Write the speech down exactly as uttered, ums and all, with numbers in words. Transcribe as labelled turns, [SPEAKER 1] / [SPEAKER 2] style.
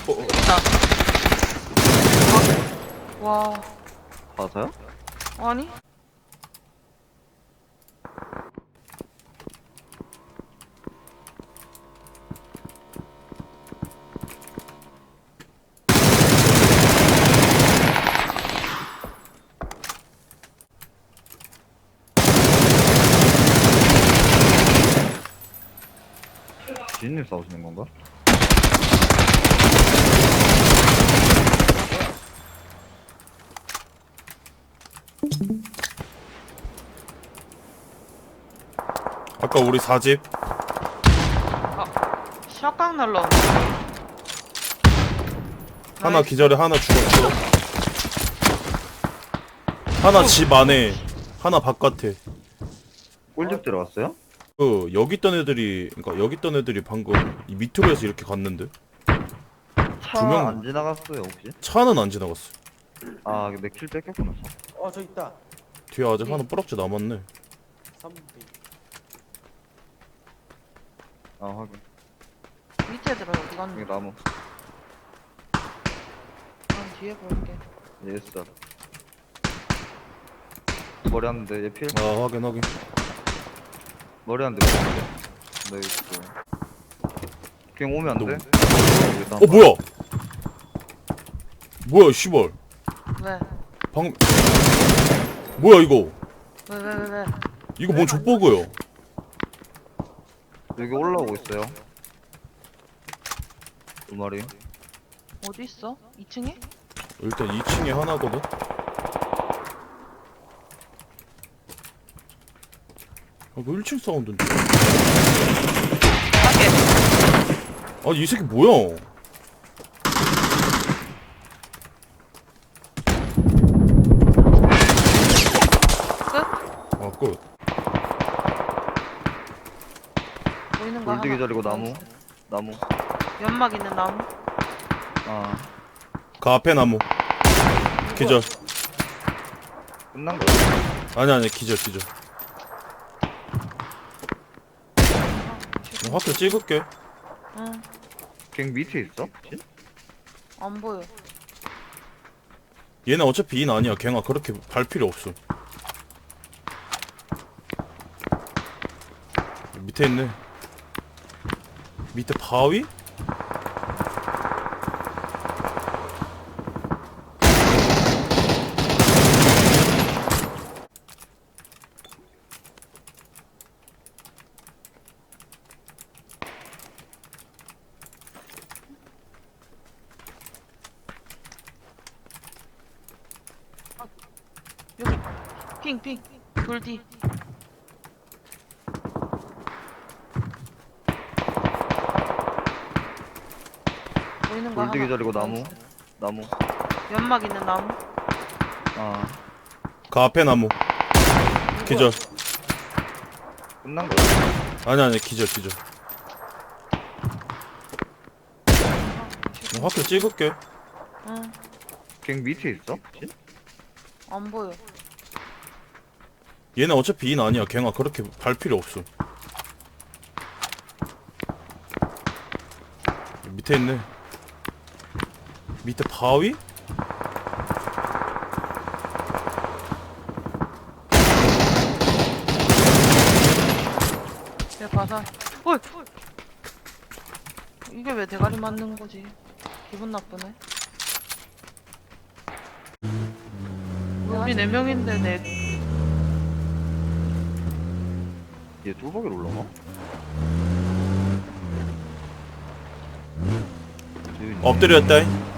[SPEAKER 1] 어,
[SPEAKER 2] 있다. 와,
[SPEAKER 3] 맞아요?
[SPEAKER 2] 아니?
[SPEAKER 3] 지인님 싸우시는 건가?
[SPEAKER 1] 아까 우리 사집
[SPEAKER 2] 샷각 날라오네.
[SPEAKER 1] 하나
[SPEAKER 2] 나이스.
[SPEAKER 1] 기절에 하나 죽었어. 하나 집 안에, 하나 바깥에.
[SPEAKER 3] 꿀집 들어갔어요?
[SPEAKER 1] 그 여기 있던 애들이, 그러니까 여기 있던 애들이 방금 이 밑으로 해서 이렇게 갔는데
[SPEAKER 3] 차
[SPEAKER 1] 두 명.
[SPEAKER 3] 안 지나갔어요 혹시?
[SPEAKER 1] 차는 안 지나갔어.
[SPEAKER 3] 아 내 킬 뺏겼구나 차.
[SPEAKER 4] 어, 저 있다.
[SPEAKER 1] 뒤에 아직 하나 뿌락지 남았네.
[SPEAKER 4] 삼 대.
[SPEAKER 3] 아 확인.
[SPEAKER 2] 밑에 들어 어디 갔니?
[SPEAKER 3] 여기 나무.
[SPEAKER 2] 난 뒤에 볼게.
[SPEAKER 3] 예스. 머리 한대 얘 필.
[SPEAKER 1] 아 확인 확인.
[SPEAKER 3] 머리 한대 머리 한대. 네 있어. 그냥 오면 안 돼? 여기
[SPEAKER 1] 어 뭐야? 뭐야 씨발.
[SPEAKER 2] 왜?
[SPEAKER 1] 방 뭐야 이거?
[SPEAKER 2] 왜, 왜, 왜, 왜?
[SPEAKER 1] 이거 뭔 족보고요?
[SPEAKER 3] 여기 올라오고 있어요. 두 마리.
[SPEAKER 2] 어디 있어? 이 층에?
[SPEAKER 1] 일단 이 층에 하나거든. 아, 뭐 일 층 사운드인데?
[SPEAKER 2] 밖에.
[SPEAKER 1] 아니 이 새끼 뭐야?
[SPEAKER 2] 끝?
[SPEAKER 1] 아 끝.
[SPEAKER 2] 보이는 거
[SPEAKER 3] 골드
[SPEAKER 2] 하나.
[SPEAKER 3] 기절이고 나무.
[SPEAKER 2] 나이스.
[SPEAKER 3] 나무.
[SPEAKER 2] 연막 있는 나무.
[SPEAKER 3] 아
[SPEAKER 1] 그 앞에 나무. 기절.
[SPEAKER 3] 끝난 거야?
[SPEAKER 1] 아니 아니 기절 기절. 나 화표 찍을게.
[SPEAKER 2] 응,
[SPEAKER 3] 갱 밑에 있어? 혹시?
[SPEAKER 2] 안 보여.
[SPEAKER 1] 얘네 어차피 인 아니야. 갱아 그렇게 발 필요 없어. 밑에 있네. 밑에 바위?
[SPEAKER 2] 여기. 핑, 핑. 돌 뒤. 보이는 거 하나.
[SPEAKER 3] 골드 기절이고 나무.
[SPEAKER 2] 나이스.
[SPEAKER 3] 나무.
[SPEAKER 2] 연막 있는 나무.
[SPEAKER 3] 아
[SPEAKER 1] 그 앞에 나무. 기절.
[SPEAKER 3] 끝난 거야?
[SPEAKER 1] 아니 아니 기절 기절. 나 화표 찍을게.
[SPEAKER 2] 응,
[SPEAKER 3] 갱 밑에 있어? 혹시?
[SPEAKER 2] 안 보여.
[SPEAKER 1] 얘네 어차피 인 아니야. 갱아 그렇게 발 필요 없어. 밑에 있네. 밑에 바위?
[SPEAKER 2] 내 바사. 어이! 이게 왜 대가리 맞는 거지? 기분 나쁘네. 우리 네 명인데 내
[SPEAKER 3] 얘 뚜벅이로 올라가?
[SPEAKER 1] 엎드렸다.